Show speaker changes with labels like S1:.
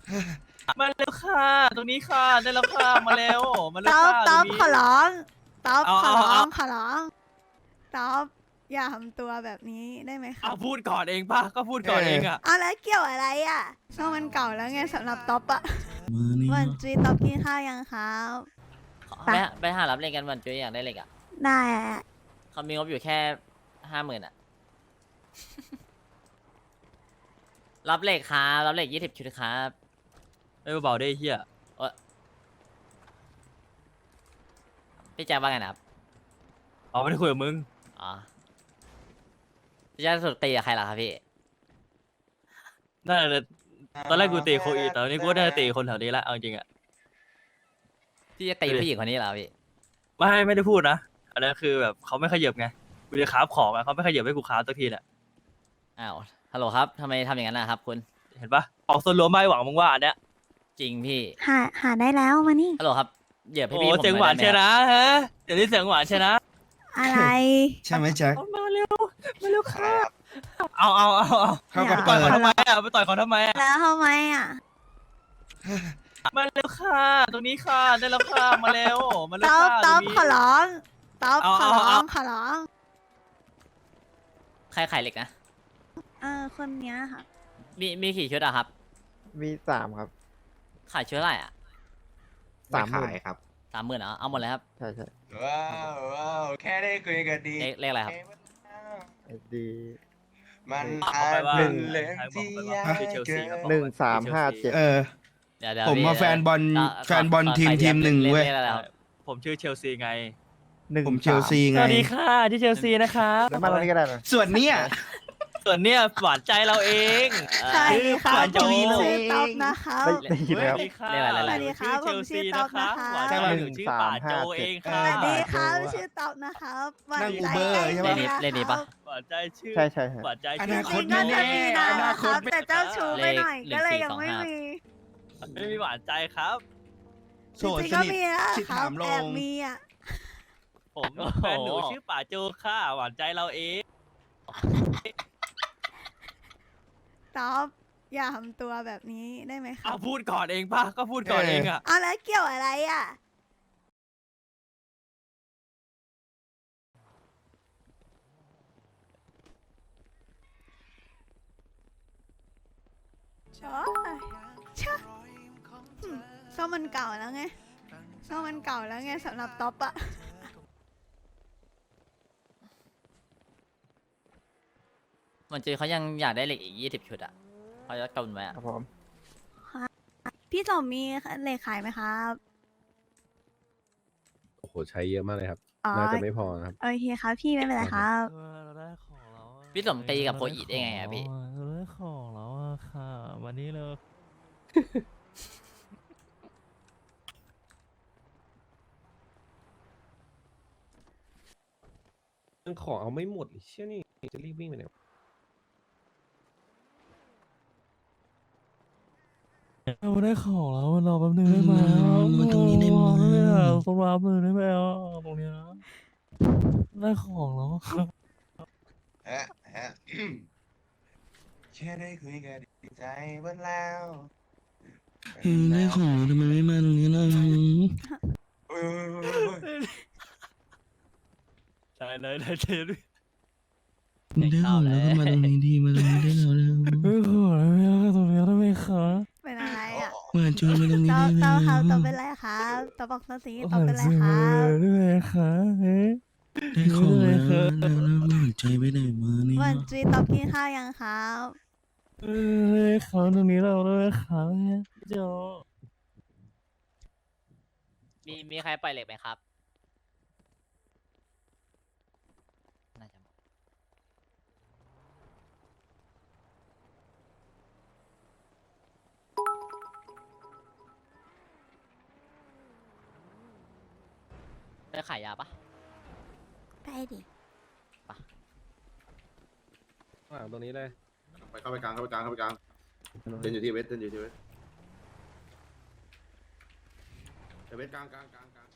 S1: มาเร็วค่ะตรงนี้ค่ะได้แล้วค่ะมาเร็วมาเร็ว
S2: ต๊อบ
S1: ค่ะต
S2: ต๊
S1: ร
S2: อบ
S1: งนี้
S2: ขอร้องต๊อบ
S1: เอา
S2: ขอ
S1: เอา
S2: ร้อ
S1: เอา
S2: งขอร้องต๊อบอย่าทำตัวแบบนี้ได้ไหมครั
S1: เอา
S2: บ
S1: พูดก่อนเองป่ะก็พูดก่อนเองอ่ะ
S2: เอาแล้วเกี่ยวอะไรอ่ะช่วงมันเก่าแล้วไงสำหรับต๊อบอะวันจีต๊อบกินข้าวยังครับ
S3: ไปไปหารับเลขกันวันจุ้ยอยากได้เลขอ่ะ
S2: ได้อะ
S3: เขามีงบอยู่แค่50,000อ่ะ รับเลขครับรับเลข20 ชุดครับ
S1: ไม่เบาๆได้เฮีย
S3: พี่แจ๊คว่าไงนะครับ
S1: เอาไม่ได้คุยกับมึง
S3: อ๋อพี่แจ๊คสุดตีกับใครล่ะครับพี่
S1: น่าจะตอนแรกกูตีโคอีแต่ตอนนี้กูน่าจะตีคนแถวนี้ละเอาจริงอ่ะ
S3: พี่จะตีผู้หญิงคนนี้เหรอพี่
S1: ไม่ได้พูดนะอันนั้นคือแบบเขาไม่ขยับไงกูจะคราฟของอ่ะเขาไม่ขยับให้กูคราฟสักทีน่ะ
S3: อ้าวฮัลโหลครับทำไมทำอย่างนั้นนะครับคุณ
S1: เห็นปะออกส่วนรวมไม่หวังมึงว่าอันเนี้ย
S3: จริงพี่
S2: หาได้แล้วมานี่
S3: ฮัลโหลครับเหยียบให้
S1: โอ้
S3: พี่ผม
S1: เสียงหวาน
S3: น่
S1: ใช่
S3: อยได้
S1: นะ
S3: ไหมครับ
S1: ฮะเดี๋ยวนี้เสียงหวานใช่นะ
S2: อะไร
S4: ใช่ไหมแจ็ค
S1: เอามาเร็วมาเร็วค่ะเอา
S4: เข้ากับ
S1: ไปต่อย
S4: เปิด
S1: เขาทำไมอ่ะไปต่อยเขาทำไมอ่ะ
S2: แล้วทำไมอ่ะ
S1: มาเร็วค่ะตรงนี้ค่ะได้แล้วค่ะมาเร็วมาเร็ว
S2: ต๊อบ
S1: ค่ะ
S2: ต๊อบ
S1: ตรงนี้
S2: ขอร้องต๊อบ
S1: เอา
S2: ขอร้อ
S1: เอา
S2: งขอร้อง
S3: ใครขายเหล็กนะ
S2: คนเนี้ยค่ะ
S3: มีกี่ชุดอะครับ
S5: มี3 ครับ
S3: ขายชุดเท่าไหร่อะ
S5: 30,000
S6: ครับ
S3: 30,000เอาหมดเลยครับ
S5: ใช่ใช่
S6: ว้าวแค่ได้คุยกันดี
S3: เลขอะไรครับ
S5: ไอดี
S6: มัน
S1: เอาไปว่า
S6: เป็นเรื่อง
S1: ใครบอก
S6: ที่
S1: ไป
S6: ยา
S1: ว่าก คือเชลซีครับ
S5: 1357
S4: เออ
S3: เดี๋ยว
S4: ผม
S3: พี่
S4: มาแฟนบอล
S3: อ่ะ
S4: แฟนบอล
S3: ข
S4: ทีม
S3: ขาย
S4: ทีมหนึ่งเว้ย
S3: เลขอะไรครับ
S1: ผมชื่อเชลซีไง
S4: ผมเชลซี
S1: ส
S4: ไง
S1: วัสดีค่ะที่เชลซีนะครับ
S5: แล้วมาตรงนี้ก็ได้นะ
S4: ส่วนเนี้ย
S1: ส่วนเนี้ยหวานใจเราเอง
S2: ใช่ครับ
S1: หวาน
S2: ผ
S1: จุ
S2: ม
S1: ยเล
S2: ชื่อย ต๊อบนะครับ
S5: ได้ยินไหมครับ
S1: สวัสดีค่ะ
S2: สวัสดีครับ
S1: ชื่อเชลซีนะคะ
S2: ผมชื่อต๊อบนะคะ
S1: หวานใจเราหนูชื่อป่าโจเองค่ะ
S2: สวัสดีครับ
S5: โจ้อะ
S2: ชื่อต๊อบนะครับหวา
S4: นั่ง
S2: ใจ
S4: Uber ใช่ปะ
S3: เลขนี้ปะ
S1: หวานใจชื่อ
S5: ใช่ใช่ใช่
S1: หวานใจ
S4: อ
S1: ชื่
S4: นาคต
S2: จริงๆก็จะมีนะ
S4: อนา
S2: ค
S4: คต
S2: รับแต่เจ้าชู้ไปหน่อย
S3: เลข
S2: ก็เลยยังไม่
S3: 1425
S2: มี
S1: ไม่มีหวานใจครับ
S4: โสด
S2: จริง
S4: ส
S2: ๆก็
S4: นิท
S2: มีนะ
S4: สิท
S2: ค
S4: ธิ์
S2: รับ
S4: ถามล
S2: แอบ
S4: ง
S2: มีอ่ะ
S1: ผมแฟนหนูชื่อป่าโจค่ะหวานใจเราเอง
S2: ต๊อบอย่าทำตัวแบบนี้ได้ไหมครั
S1: เอา
S2: บ
S1: พูดก่อนเองป่ะก็พูดก่อนเองอ่ะ
S2: เอาแล้วเกี่ยวอะไรอ่ะโอ้ยชะช่วงมันเก่าแล้วไงช่วงมันเก่าแล้วไงสำหรับต๊อบอะ
S3: มันจือเขายังอยากได้เหล็กอีก20 ชุดอะเขาจะกำไว้อะ
S5: ครับผม
S2: พี่สมมีเลขขายไหมครับ
S7: โอ้โห ใช้เยอะมากเลยครับ
S2: อ๋อ
S7: น่าจะไม่พอนะครับ
S2: โอเคครับพี่ไม่เป็นไรครับ
S1: เราได้ของแล้วอะ
S3: พี่สมตีกับโคอีได้ไงอะพี่
S1: เราได้ของแล้วอะค่ะ วันนี้เลย
S7: ยังขอเอาไม่หมดเลยเชี่ยนี่จะรีบวิ่งไปไหนวะ
S1: เราได้ของแล้วรอแป๊บนึงได้ไหม
S4: มาตรงนี้ได้ไหม
S1: ต้องรับเลยได้ไหมอ่ะตรงเนี้ยได้ของแล้วอะครับ
S6: ฮะฮะแค่ได้คุยกันดีใจเบิ้แล้ว
S4: ได้ของทำไมไม่มาตรงนี้ล่ะ
S6: โอ้ย
S1: ใช่เลยได้เจอด้วย
S4: ได้ของแล้วก็มาตรงนี้ดีมาตรงนี้ได้แล้วนะ
S1: ไม่ขอแล้วไม่เอาตรงนี้ได้ไหมคะ
S2: เป็นอะไรอ่ะ
S4: หวานจอยมาตรงนี้
S2: ต๊อ
S4: ได้
S2: บ
S4: ไหม
S2: ต๊อบครับต๊อบเป็นไรครับต๊อบบอกมาสิต๊อบเป็นไร
S1: สิ
S2: ค
S1: มื
S2: รั
S1: อบ ได้ไหมคะเฮ้ย
S4: ได้ของแล้วแล้วหวานใจไปไหนมาเนี่ย
S2: วันจีต๊อบกินข้าวยังครับ
S1: เขาตรงนี้เราได้ไหมคะโจ
S3: มีใครปล่อยเหล็กไหมครับน่าจะหมดได้ขายยาปะ
S2: ไปดิ
S7: ข้างหลังตรงนี้เลย
S6: ไปเข้าไปกลางเข้าไปกลางเข้าไปกลางเดินอยู่ที่เวทเดินอยู่ที่เวทเวทกลางกลางกลางกลาง